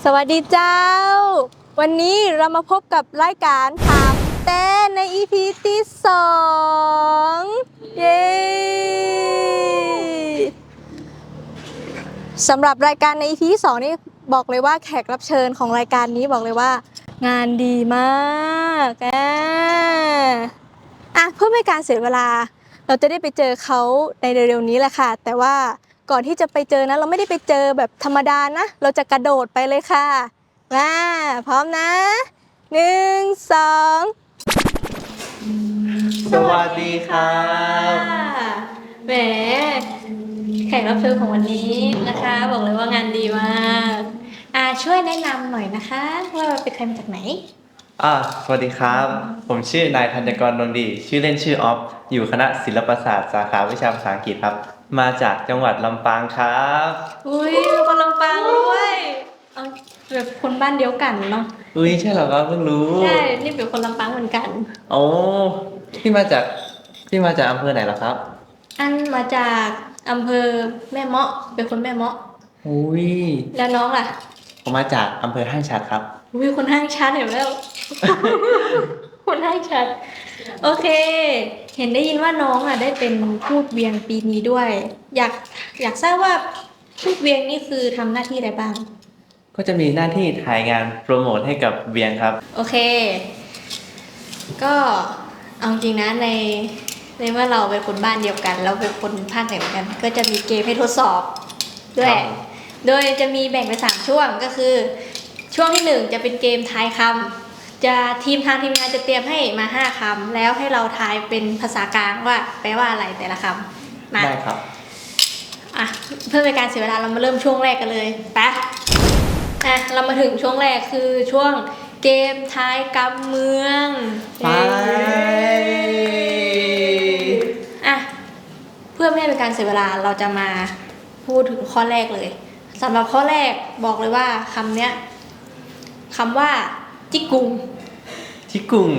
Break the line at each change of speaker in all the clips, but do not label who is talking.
สวัสดีเจ้า วันนี้เรามาพบกับรายการถามเต้นใน EP ที่2เย้สำหรับรายการใน EP ที่2นี่บอกเลยว่าแขกรับเชิญของรายการนี้บอกเลยว่างานดีมากเพื่อไม่การเสียเวลาเราจะได้ไปเจอเขาในเร็วๆนี้แหละค่ะแต่ว่าก่อนที่จะไปเจอนะเราไม่ได้ไปเจอแบบธรรมดานะเราจะกระโดดไปเลยค่ะมาพร้อมนะ1 2
สวัสดีครับ
แหมแขกรับเชิญของวันนี้นะคะบอกเลยว่างานดีมากช่วยแนะนำหน่อยนะคะว่าเป็นใครมาจากไหน
สวัสดีครับ ผมชื่อนายธัญกรดวงดี ชื่อเล่นชื่อออฟ อยู่คณะศิลปศาสตร์สาขาวิชาภาษาอังกฤษครับ มาจากจังหวัดลำปางครับ
อุ้ยเป็นคนลำปางด้วยแบบคนบ้านเดียวกันเนาะ
ใช่เหรอครับเพิ่งรู้
ใช่นี่เป็นคนลำปางเหมือนกัน
โอ้พี่มาจากอำเภอไหนเหรอครับ
อันมาจากอำเภอแม่เมาะเป็นคนแม่เมาะ
อุ้ย
แล้วน้องล่ะ
ผมมาจากอำเภอห้างฉัตรครับ
อุ้ยคนห้างชัดเห็นแล้ว คนห้างชัดโอเคเห็นได้ยินว่าน้องได้เป็นทูตเวียงปีนี้ด้วยอยากทราบว่าทูตเวียงนี่คือทำหน้าที่อะไรบ้าง
ก็จะมีหน้าที่ถ่ายงานโปรโมทให้กับเวียงครับ
โอเคก็เอาจริงนะในเมื่อเราเป็นคนบ้านเดียวกันเราเป็นคนภาคเหนือกันก็จะมีเกมให้ทดสอบด้วยโดยจะมีแบ่งเป็น3ช่วงก็คือช่วงที่1จะเป็นเกมทายคำจะทีมงานจะเตรียมให้มา5คำแล้วให้เราทายเป็นภาษากลางว่าแปลว่าอะไรแต่ละคำ
ได้ครับ
เพื่อเป็นการเสียเวลาเรามาเริ่มช่วงแรกกันเลยไปเรามาถึงช่วงแรกคือช่วงเกมทายกำเมือง
ไป
เพื่อไม่ให้เป็นการเสียเวลาเราจะมาพูดถึงข้อแรกเลยสำหรับข้อแรกบอกเลยว่าคำเนี้ยคำว่าจิกกุง
จิกกุง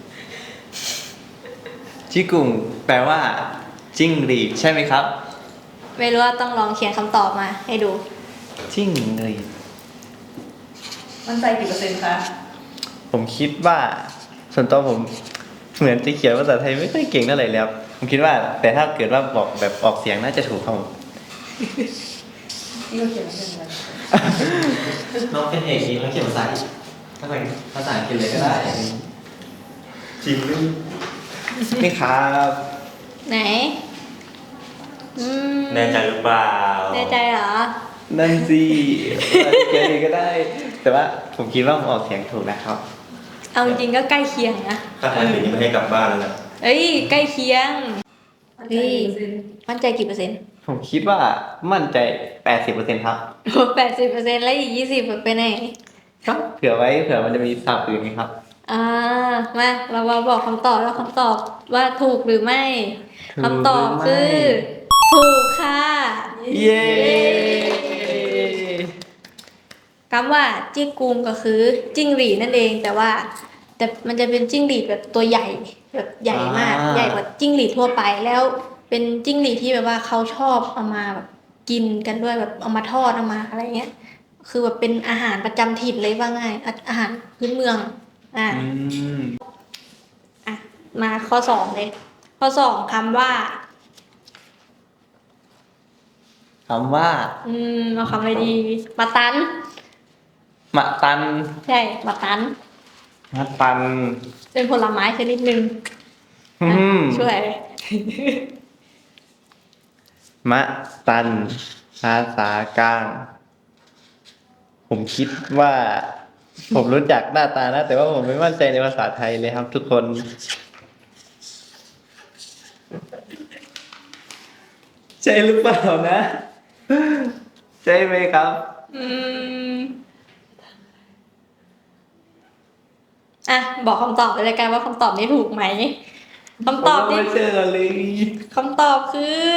แปลว่าจิ้งหรีดใช่ไหมครับ
ไม่รู้ว่าต้องลองเขียนคำตอบมาให้ดู
จิ้งหรีด
มั่นใจกี่%คะ
ผมคิดว่าส่วนตัวผมเหมือนจะเขียนภาษาไทยไม่ค่อยเก่งเท่าไหร่แล้วผมคิดว่าแต่ถ้าเกิดว่าบอกแบบออกเสียงน่าจะถูกครับผม
นี่เราเขียนเป็นอะไร
น้องเป็นเอกดีเขาเขียนภาษาภาษาอังกฤษเลยก็ได้จริงด้วยนี่ครับ
ไหน
แน่ใจหรือเปล่า
แน่ใจเหรอ
นั่นสิเขียนเองก็ได้แต่ว่าผมคิดว่าผมออกเสียงถูกนะครับ
เอาจริงก็ใกล้เคียงนะ
ถ้าทำอย่างนี้ไม่ให้กลับบ้านแล้วนะ
ใกล้เคียงมั่นใจกี่%
ผมคิดว่ามั่นใจ 80% ครับ
80%แล้วอีก20%ไปไหน
ครับเผื่อไว้เผื่อมันจะมีศัพท์อื่นไหมครับ
มาเรามาบอกคำตอบแล้วคำตอบว่าถูกหรือไม่คำตอบคือถูกค่ะ
เย้
คำว่าจิ้งกุงก็คือจิ้งหรีดนั่นเองแต่มันจะเป็นจิ้งหรีดแบบตัวใหญ่แบบใหญ่มากใหญ่กว่าจิ้งหรีดทั่วไปแล้วเป็นจิ้งหรีดที่แบบว่าเขาชอบเอามาแบบกินกันด้วยแบบเอามาทอดเอามาอะไรเงี้ยคือแบบเป็นอาหารประจำถิ่นเลยว่าง่ายอาหารพื้นเมืองมาข้อ2เลยข้อ2คำว่าเอาคำอะไรดีมาตันใช่มาตันเป็นผลไม้ชนิดหนึ่งช่วย
มะตันภาษากลางผมคิดว่าผมรู้จักหน้าตานะแต่ว่าผมไม่มั่นใจในภาษาไทยเลยครับทุกคนใช่หรือเปล่านะใช่ไหมครับ
บอกคำตอบไปเลยกันว่าคำตอบนี้ถูกไหมคำตอบนี้
ไม่เชื่อเลย
คำตอบคือ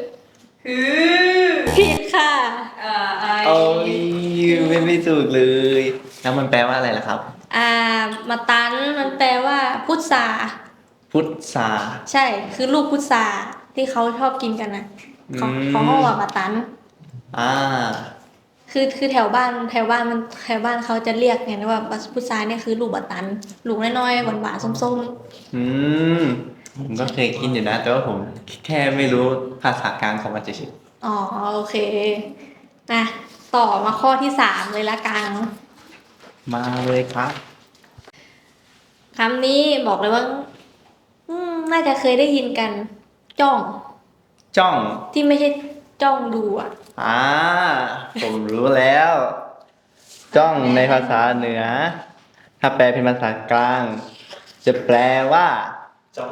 ผิดค่ะ
โอ้ยไม่ถูกเลยแล้วมันแปลว่าอะไรล่ะครับ
มาตันมันแปลว่าพุทราใช่คือลูกพุทราที่เขาชอบกินกันนะเขาว่ามาตันคือแถวบ้านเขาจะเรียกไงนะว่าพุทราเนี่ยคือลูกบัตตันลูกน้อยๆหวานๆส้มๆ
อืมผมก็เคยกินอยู่นะ แต่ว่าผมแค่ไม่รู้ภาษากลางของมันเฉย
อ๋อโอเคนะต่อมาข้อที่สามเลยละกัน
ๆมาเลยครับ
คำนี้บอกเลยว่าน่าจะเคยได้ยินกัน จ้อง
จ้อง
ที่ไม่ใช่จ้องดูอ่ะ
อ่าผมรู้แล้ว จ้องในภาษาเหนือ ถ้าแปลเป็นภาษากลาง จะแปลว่า
จ้อง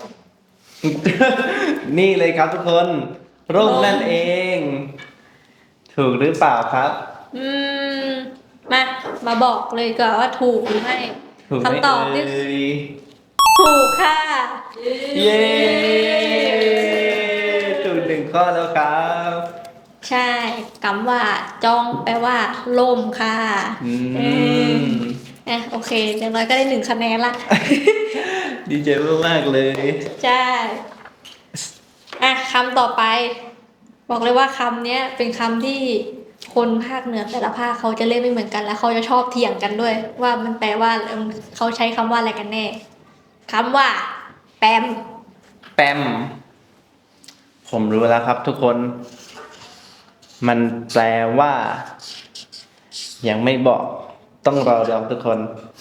นี่เลยครับทุกคนร่มนั่นเอง ถูกหรือเปล่าครับ
อืมมาบอกเลยก่อนว่าถูกหรือไม่
ถูกไหม
คำตอบที่
เอ่ย
ถูกค่ะ
เย้ถูกหนึ่งข้อแล้วครับ
ใช่คำว่าจ้องแปลว่าล่มค่ะ
อืม
เออโอเคอย่างน้อยก็ได้1 คะแนนละ
ดีใจมากๆเลย
ใช่คำต่อไป บอกเลยว่าคำเนี้ยเป็นคำที่คนภาคเหนือแต่ละภาคเขาจะเรียกไม่เหมือนกันแล้วเขาจะชอบเถียงกันด้วย ว่ามันแปลว่าเขาใช้คำว่าอะไรกันแน่คำว่า แปม
แปม ผมรู้แล้วครับทุกคน มันแปลว่า ยังไม่บอก ต้องรอดูทุกคน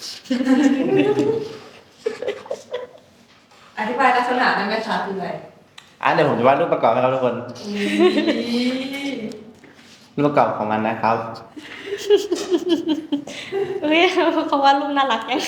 อธิบายลักษณะได้ไหมคะคืออะไร
เดี๋ยวผมจะวาดรูปประกอบให้ครับทุกคน รูปประกอบของมันนะครับ
เฮ้ยเขาว่าลูกน่ารักยัง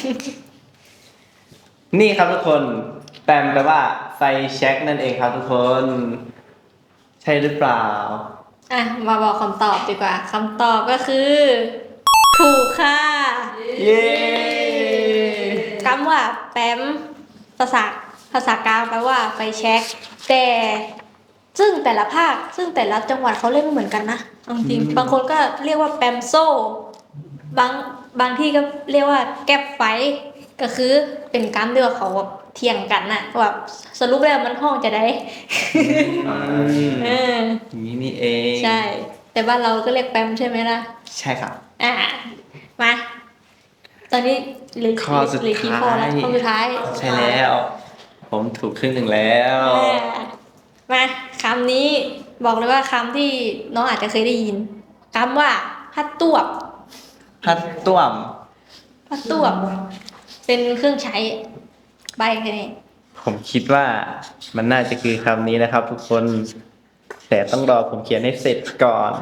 นี่ครับทุกคน แปมแปลว่าไฟแช็กนั่นเองครับทุกคน ใช่หรือเปล่า
มาบอกคำตอบดีกว่าคำตอบก็คือ ถูกค่ะ
เย้
คำว่าแปมภาษากลางแปลว่าไฟแช็กแต่ซึ่งแต่ละภาคซึ่งแต่ละจังหวัดเขาเรียกไม่เหมือนกันนะเอาจริงบางคนก็เรียกว่าแปมโซ่บางที่ก็เรียกว่าแก๊ปไฟก็คือเป็นกรรมที่ว่าเขาแบบเถียงกันน่ะว่าสรุปแล้วมันห้องจะได้
อืม
เออ
อย่างนี้นี่เอง
ใช่ แต่บ้านเราก็เรียกแปมใช่ไหมล่ะ
ใช่ครับ
มา ตอนนี้เหลือ
ข้อสุด
เหลือกี่ข้อแล้ว
ท้าย
ข้อสุดท้าย
ใช่แล้ว ผมถูกครึ่งหนึ่งแล้ว
มาคำนี้บอกเลยว่าคำที่น้องอาจจะเคยได้ยินคำว่าพัดตวบ
พัดต้วม
พัดตวบ เป็นเครื่องใช้ใบแค่นี้
ผมคิดว่ามันน่าจะคือคำนี้นะครับทุกคน แต่ต้องรอผมเขียนให้เสร็จก่อน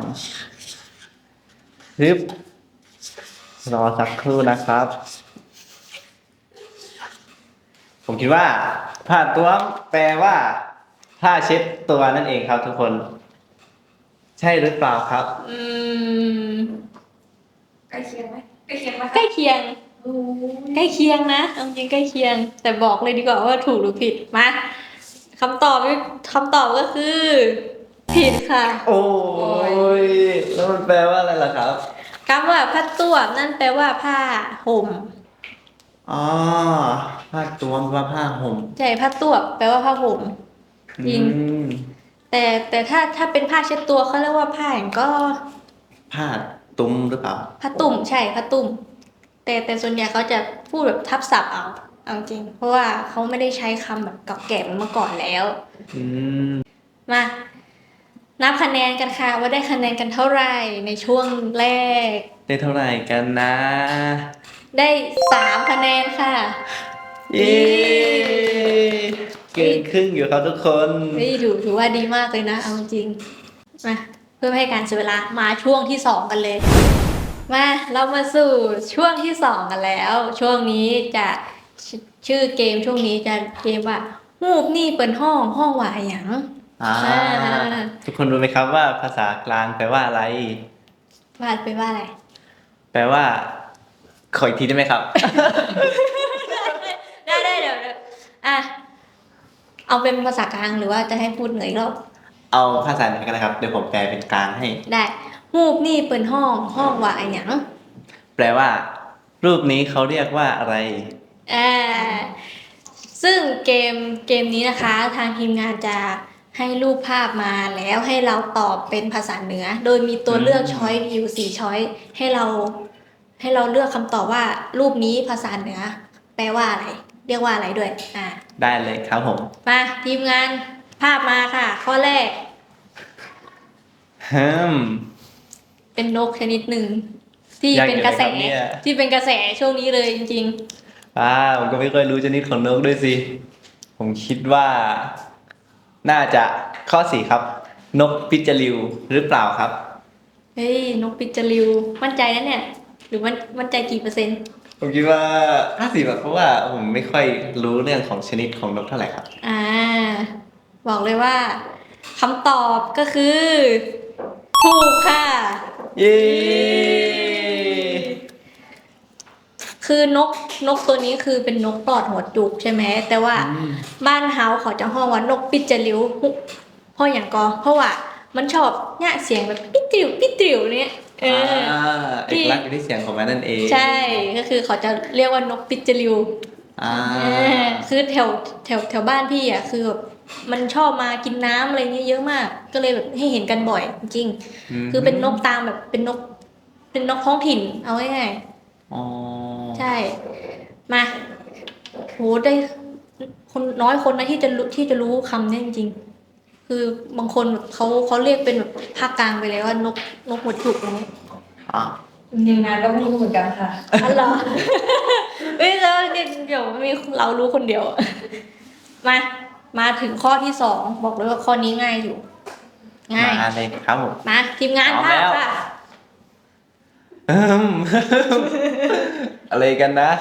ฮึบรอสักครู่นะครับ ผมคิดว่าผ้าต้วมแปลว่า ผ้าเช็ดตัวนั่นเองครับทุกคน ใช่หรือเปล่าครับ
อืม
ใกล้เคียงไหมใกล้เคียงไหม
ใกล้เคียง
โอ้
ใกล้เคียงนะเอาจริงใกล้เคียง แต่บอกเลยดีกว่าว่าถูกหรือผิด มาคำตอบก็คือ ผิดค่ะ
โอ้ยแล้วมันแปลว่าอะไรล่ะครับ
คำว่าผ้าตวบนั่นแปลว่าผ้าห่ม
อ๋อ ผ้าต้วมว่าผ้าห่ม
ใช่ผ้าตวบแปลว่าผ้าห่ม จริง
อืม
แต่ถ้าเป็นผ้าเช็ดตัวเขาเรียกว่าผ้าอย่างก็
ผ้าตุ้มหรือเปล่า
ผ้าตุ่มใช่ผ้าตุ่มแต่ส่วนใหญ่เขาจะพูดแบบทับศัพท์เอาจริง เพราะว่าเขาไม่ได้ใช้คำแบบเก่าแก่เหมือนเมื่อก่อนแล้ว
อืม
มานับคะแนนกันค่ะว่าได้คะแนนกันเท่าไหร่ในช่วงแรก
ได้เท่าไหร่กันนะ
ได้3 คะแนนค่ะ
เย้เกินครึ่งอยู่ครับทุกคน
นี่ถือว่าดีมากเลยนะเอาจริงมาเพื่อไม่ให้การเสียเวลามาช่วงที่ 2 กันเลย มาเรามาสู่ช่วงที่ 2 กันแล้ว ช่วงนี้จะชื่อเกมช่วงนี้จะเกมว่าฮูบนี่เปิดห้องว่าหยัง
อ่า
อ่า
ทุกคนรู้ไหมครับว่าภาษากลางแปลว่าอะไร
ว่าไปว่าอะไร
แปลว่า ขออีกทีได้ไหมครับ
ได้เดี๋ยวเอาเป็นภาษากลางหรือว่าจะให้พูดเหนืออีกรอบ
เอาภาษาไหนกันนะครับ เดี๋ยวผมแปลเป็นกลางให้
ได้ฮูบนี่เปิดห้องว่าหยัง
แปลว่า รูปนี้เขาเรียกว่าอะไร
อ่าซึ่งเกมนี้นะคะทางทีมงานจะให้รูปภาพมาแล้วให้เราตอบเป็นภาษาเหนือ โดยมีตัวเลือกช้อยอยู่4ช้อยให้เราเลือกคำตอบว่ารูปนี้ภาษาเหนือ แปลว่าอะไร เรียกว่าอะไรด้วย
ได้เลยครับผม
มาทีมงานภาพมาค่ะ ข้อแรกเป็นนกชนิดหนึ่งที่เป็นกระแสที่เป็นกระแสช่วงนี้เลยจริง
ผมก็ไม่ค่อยรู้ชนิดของนกด้วยสิผมคิดว่า น่าจะข้อ4ครับ นกปิจลิวหรือเปล่าครับ
เฮ้ยนกปิจลิวมั่นใจนะเนี่ยหรือมั่นใจกี่เปอร์เซ็นต์
ผมคิดว่า50แบบเพราะว่าผมไม่ค่อยรู้เรื่องของชนิดของนกเท่าไหร่ครับ
บอกเลยว่าคำตอบก็คือถูกค่ะ
เย้
คือนกตัวนี้คือเป็นนกปลอดหัวจุกใช่ไหมแต่ว่าบ้านเฮาเขาจะห้องว่านกปิจลิวเพราะอย่างก็เพราะว่ามันชอบเนี่ยเสียงแบบปิตริวปิตริวเนี่ย
เอกลักษณ์อยู่ที่เสียงของมันนั่นเอง
ใช่ก็คือเขาจะเรียกว่านกปิจลิวคือแถวบ้านพี่อ่ะคือแบบมันชอบมากินน้ำอะไรเงี้ยเยอะมากก็เลยแบบให้เห็นกันบ่อยจริงคือเป็นนกตามแบบเป็นนกท้องถิ่นเอาง่ายๆใช่มาโหได้คนน้อยคนนะที่จะรู้คำนี้จริงๆคือบางคนแบบเขาเรียกเป็นแบบภาคกลางไปเลยว่านกหัวจุกอะไร
ทีมงานก็ไม่รู้เหมือนกันค่ะ
อ๋อเหรอเฮ้ยแล้วเดี๋ยวมีเรารู้คนเดียวมาถึงข้อที่2บอกเลยว่าข้อนี้ง่ายอยู่ง่าย
มาเลยครับผม
มาทีมงานภาพค่ะ
อะไรกันนะ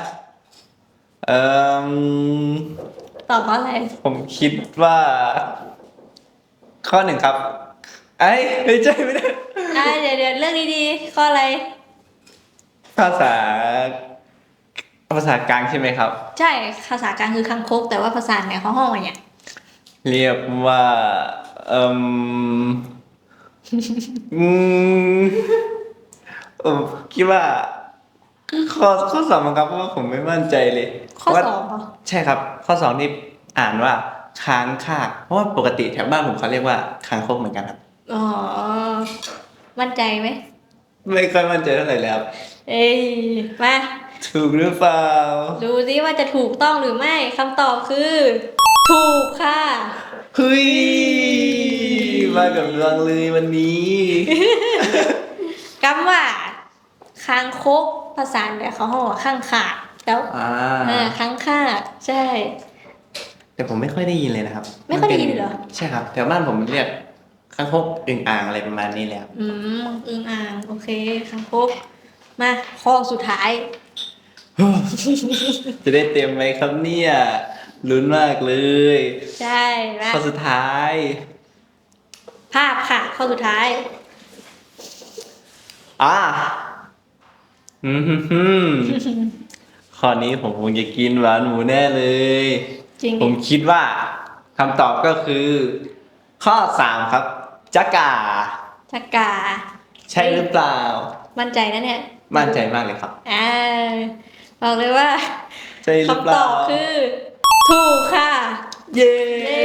ตอบว่าอะไร
ผมคิดว่า ข้อ 1ครับไม่ใช่ไม่ได้
เดี๋ยวเรื่องดีๆข้ออะไร
ภาษากลางใช่ไหมครับ
ใช่ภาษากลางคือคังคกแต่ว่าภาษาเหนือเขาห้องอะไรเนี่ย
เรียกว่าคิดว่าข้อ2มั้งครับเพราะว่าผมไม่มั่นใจเลย
ข้อ2เหรอ
ใช่ครับข้อ2นี่อ่านว่าค้างคากเพราะว่าปกติแถวบ้านผมเขาเรียกว่าค้างคกเหมือนกันครับ
อ๋อมั่นใจไหม
ไม่ค่อยมั่นใจเท่าไหร่แล้ว
มา
ถูกหรือเปล่า
ดูสิว่าจะถูกต้องหรือไม่คำตอบคือถูกค่ะ
เฮ้ยมากับดวงเลยวันนี้
คำว่าคางคกภาษาเหนือเขาห้องว่าข้างขาดแล้วข้างขาดใช่
แต่ผมไม่ค่อยได้ยินเลยนะครับ
ไม่ค่อยได้ยินเหรอ
ใช่ครับแถวบ้านผมเรียกคางคกอึ่งอ่างอะไรประมาณนี้แหละ
อึ่งอ่างโอเคคางคกมาข้อสุดท้าย
จะได้เต็มไหมครับเนี่ยลุ้นมากเลย
ใช่
ข้อสุดท้าย
ภาพค่ะข้อสุดท้าย
ข้อนี้ผมคงจะกินหวานหมูแน่เลย
จริง
ผมคิดว่าคำตอบก็คือ ข้อ3ครับจักราใช่หรือเปล่า
มั่นใจนะเนี่ย
มั่นใจมากเลยครับ
บอกเลยว่า
คำตอบ
คือถูกค่ะ
เย้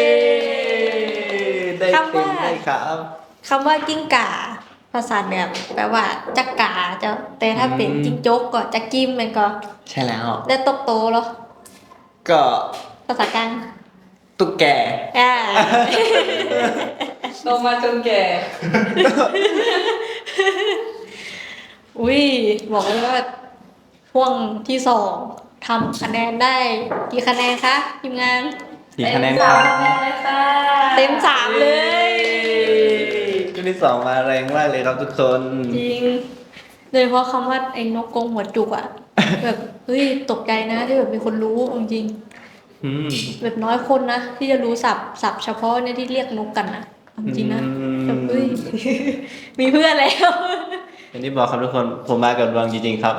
ได้เต็มได้ครับ
คำว่ากิ้งก่าภาษาเหนือแปลว่าจักกาจะแต่ถ้าเป็นจิ้งจกก็จักกิ้มมันก็
ใช่แล้ว
ได้ตกโตเหรอ
ก็
ภาษากลาง
ตุ๊กแก
โตมาจนแก่
อุ้ยบอกเลยว่าช่วงที่2ทำคะแนนได้กี่คะแนนคะทีมงาน
กี่คะแนนครับ
เต็ม3เลย
ช่วงที่2มาแรงมากเลยครับทุกคน
จริงโดยเฉพาะคำว่าไอ้นกกรงหัวจุกอ่ะแบบเฮ้ยตกใจนะที่แบบมีคนรู้จริงแบบน้อยคนนะที่จะรู้ศัพท์เฉพาะเนี่ยที่เรียกนกกันนะจริงนะแบบเฮ้ยมีเพื่อนแล้ว
อย่างที่บอกครับทุกคนผมมากับดวงจริงๆครับ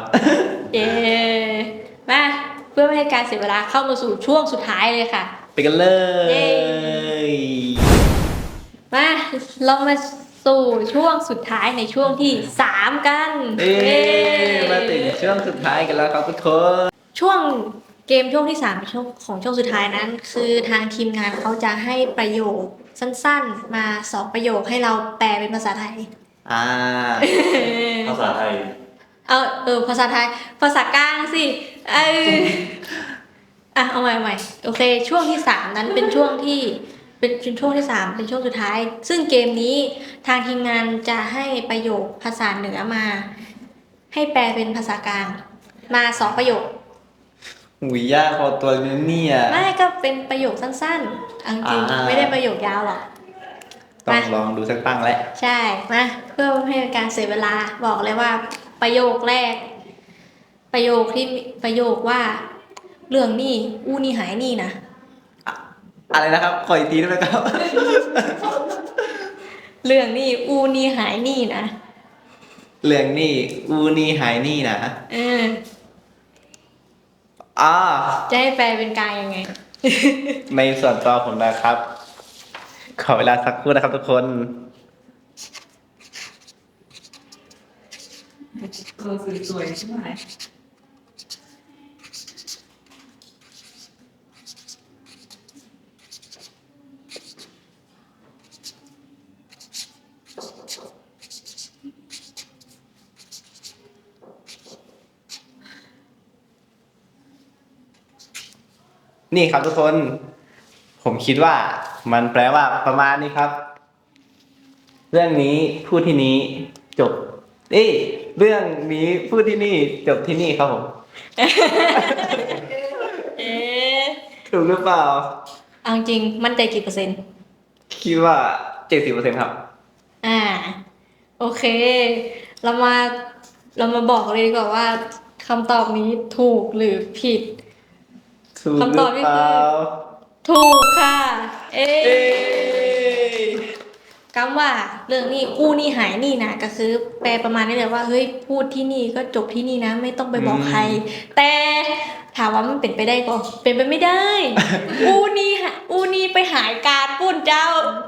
มาเพื่อไม่ให้การเสียเวลาเข้ามาสู่ช่วงสุดท้ายเลยค่ะ
ไปกันเลย
มาเรามาสู่ช่วงสุดท้ายในช่วงที่3กัน
มาถึงช่วงสุดท้ายกันแล้วครับทุกคน
ช่วงเกมช่วงที่3ของช่วงสุดท้ายนั้นคือทางทีมงานเขาจะให้ประโยคสั้นๆ มา2 ประโยคให้เราแปลเป็นภาษาไทย
อ่า
ภาษาไทย
ภาษาไทย ภาษากลางสิเอาใหม่โอเค ช่วงที่ 3 นั้นเป็นช่วงที่เป็นช่วงที่ 3เป็นช่วงสุดท้าย ซึ่งเกมนี้ทางทีมงานจะให้ประโยคภาษาเหนือมา ให้แปลเป็นภาษากลาง มา2 ประโยค
หุยยากพอตัวนี้เนี่ย
ไม่ก็เป็นประโยคสั้นๆเอาจริง
อ่า
ไม่ได้ประโยคยาวหรอก
ต้องลองดูสักตั้งแล้ว
ใช่ มาเพื่อไม่ให้เป็นการเสียเวลาบอกเลยว่าประโยคแรก ประโยคว่า เรื่องนี่อู้นี่หายนี่นะ
อะไรนะครับ ขออีกทีได้ไหมครับ
เรื่องนี่อู้นี่หายนี่นะ
เรื่องนี่อูนี่หายนี่นะ
เออ
อ่า
จะให้แปลเป็นกลางยังไง
ในส่วนตัวผมนะครับ ขอเวลาสักครู่นะครับทุกคน
สวยๆใช่ไหม
นี่ครับทุกคน ผมคิดว่ามันแปลว่าประมาณนี้ครับ เรื่องนี้พูดที่นี้จบ เรื่องนี้พูดที่นี่จบที่นี่ครับผม
เอ๊ะ
ถูกหรือเปล่า
เอาจริงมั่นใจกี่เปอร์เซ็นต์
คิดว่า 70%ครับ
โอเค เรามาบอกเลยดีกว่าว่าคำตอบนี้ถูกหรือผิด
ถูกหรือเปล่า
ถูกค่ะ เอ๊
เอ้
ะคำว่าเรื่องนี้อู้นี่หายนี่นะก็คือแปลประมาณนี้เลยว่าเฮ้ยพูดที่นี่ก็จบที่นี่นะ ไม่ต้องไปบอกใคร แต่ถามว่ามันเป็นไปได้ก็เป็นไปไม่ได้ อู้นี่ไปหายการปุ้นเจ้า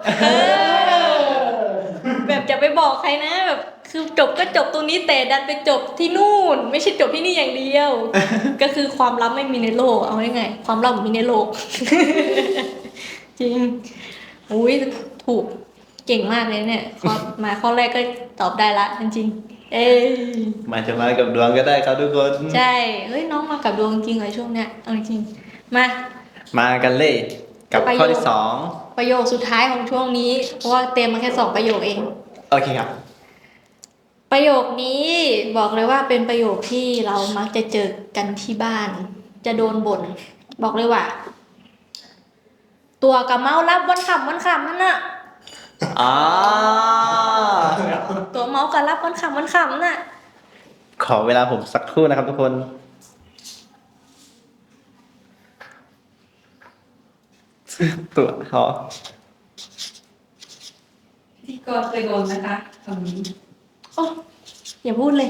แบบจะไปบอกใครนะแบบคือจบก็จบตรงนี้แต่ดันไปจบที่นู่น ไม่ใช่จบที่นี่อย่างเดียว ก็คือความลับไม่มีในโลกเอาไงความลับมีในโลก จริงอุ้ยถูกเก่งมากเลยเนี่ยข้อแรกก็ตอบได้ละจริงๆเอ้ย
มันจะมากับดวงก็ได้ครับทุกคน
ใช่เฮ้ยน้องมากับดวงจริงเลยช่วงเนี้ยเอาจริงมา
มากันเลย กับข้อที่
ประโยคสุดท้ายของช่วงนี้เพราะว่าเตรียมมาแค่2 ประโยคเอง
2 โอเคครับ
ประโยคนี้บอกเลยว่าเป็นประโยคที่เรามักจะเจอกันที่บ้าน จะโดนบ่นบอกเลยว่า ตัวกับเมารับวันขำนั่นน่ะ
อ่า
ตัวเมากับรับวันขำน่ะ
ขอเวลาผมสักครู่นะครับทุกคน ตัวเขา
ที่ก็เคยโดนนะคะคำนี้
โอ้อย่าพูดเลย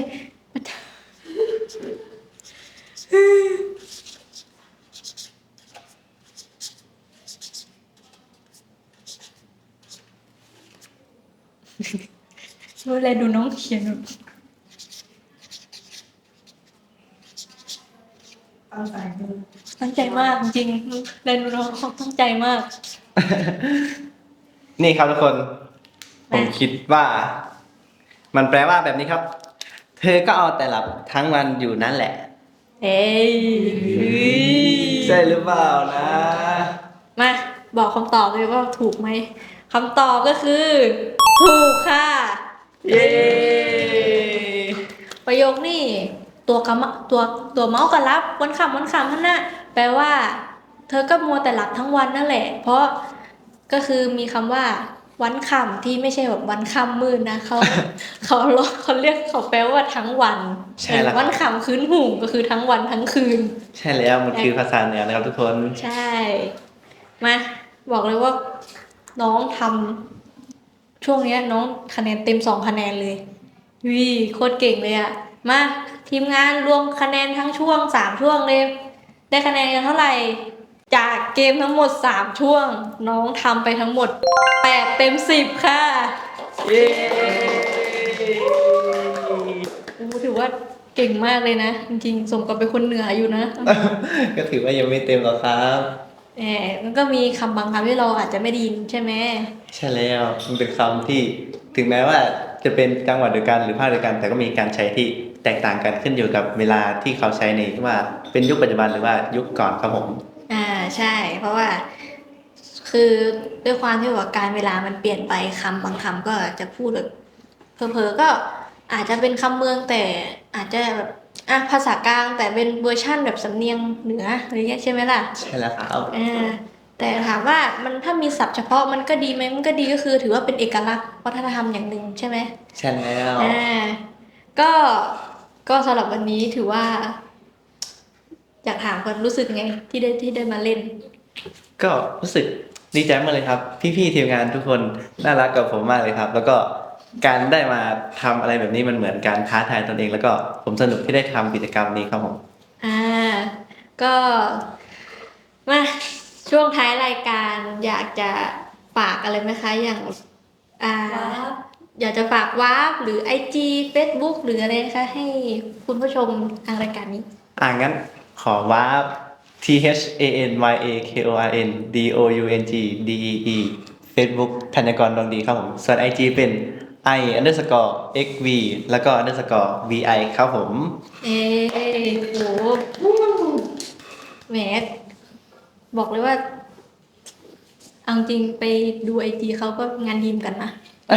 ดูแลดูน้องเขียน
เอาสายมือ
ตั้งใจมากจริงๆแลดูน้องเขาตั้งใจมาก
นี่ครับทุกคน ผมคิดว่า มันแปลว่าแบบนี้ครับ เธอก็เอาแต่หลับทั้งวันอยู่นั่นแหละ
เอ้ย
ใช่หรือเปล่านะ
มาบอกคำตอบเลยว่าถูกไหมคำตอบก็คือ ถูกค่ะ
เย้
ประโยคนี้ตัวเมาส์กับรับวันคำนั่นน่ะแปลว่า เธอก็มัวแต่หลับทั้งวันนั่นแหละ เพราะก็คือมีคำว่า วันค่ำที่ไม่ใช่แบบวันค่ำมืดนะเขาเรียกเขาแปลว่าทั้งวัน
ใช่แล้ว
วันค่ำคืนหุ่งก็คือทั้งวันทั้งคืน
ใช่แล้วมันคือภาษาเหนือนะครับทุกคน
ใช่ มาบอกเลยว่าน้องทำช่วงเนี้ยน้องคะแนนเต็ม2 คะแนนเลยวิโคตรเก่งเลยอะมาทีมงานรวมคะแนนทั้งช่วง3 ช่วงเลย ได้คะแนนกันเท่าไหร่ จากเกมทั้งหมด3 ช่วง น้องทำไปทั้งหมด8 เต็ม 10 ค่ะ
เย้
ถือว่าเก่งมากเลยนะ จริงๆสมกับเป็นคนเหนืออยู่นะ
ก็ถือว่ายังไม่เต็มหรอกครับ
มันก็มีคำบางคำที่เราอาจจะไม่ได้ยินใช่ไหม
ใช่แล้วมันเป็นคำที่ถึงแม้ว่าจะเป็นจังหวัดเดียวกันหรือภาคเดียวกัน แต่ก็มีการใช้ที่แตกต่างกันขึ้นอยู่กับเวลาที่เขาใช้ในว่าเป็นยุคปัจจุบันหรือว่ายุคก่อนครับผม
ใช่ เพราะว่าคือด้วยความที่ว่าการเวลามันเปลี่ยนไปคำบางคำก็จะพูดแบบเผลอๆก็อาจจะเป็นคำเมืองแต่อาจจะแบบภาษากลางแต่เป็นเวอร์ชั่นแบบสำเนียงเหนืออะไรเงี้ยใช่ไหมล่ะ
ใช่แล้วครับ
แต่ถามว่ามันถ้ามีศัพท์เฉพาะมันก็ดีไหมมันก็ดีก็คือถือว่าเป็นเอกลักษณ์วัฒนธรรมอย่างหนึ่งใช่ไหม
ใช่แล้ว
อ่าก็ก็สำหรับวันนี้ถือว่า อยากถามคนรู้สึกไงที่ได้มาเล่น
ก็รู้สึกดีใจมากเลยครับ พี่ๆทีมงานทุกคนน่ารักกับผมมากเลยครับ แล้วก็การได้มาทำอะไรแบบนี้มันเหมือนการท้าทายตนเอง แล้วก็ผมสนุกที่ได้ทำกิจกรรมนี้ครับผม
ก็มาช่วงท้ายรายการอยากจะฝากอะไรไหมคะอย่างอ่า อยากจะฝากวาร์ปหรือ IG Facebook หรืออะไรนะคะให้คุณผู้ชมทางรายการนี้
งั้นขอว่า THANYAKORNDOUNGDEE Facebook ธัญกรดวงดีครับผม ส่วน IG เป็น I_XV แล้วก็ _VI ครับผม
โหแหมบอกเลยว่าเอาจริงไปดู IG เขาก็งานดีมกันนะ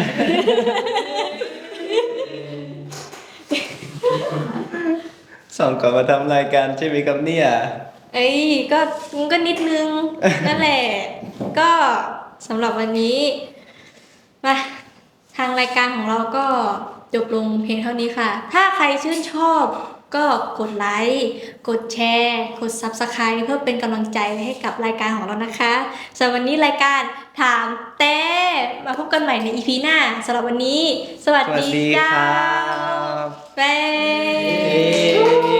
ส่งก่อนมาทำรายการใช่ไหมครับเนี่ย
ก็มันก็นิดนึง นั่นแหละ ก็สำหรับวันนี้มาทางรายการของเราก็จบลงเพียงเท่านี้ค่ะ ถ้าใครชื่นชอบก็กดไลค์กดแชร์กด Subscribe เพื่อเป็นกำลังใจให้กับรายการของเรานะคะสำหรับวันนี้รายการถามแต่มาพบกันใหม่ใน EP หน้าสำหรับวันนี้ สวัสดี
สวัสดี
จ้า
ครับ
บ๊าย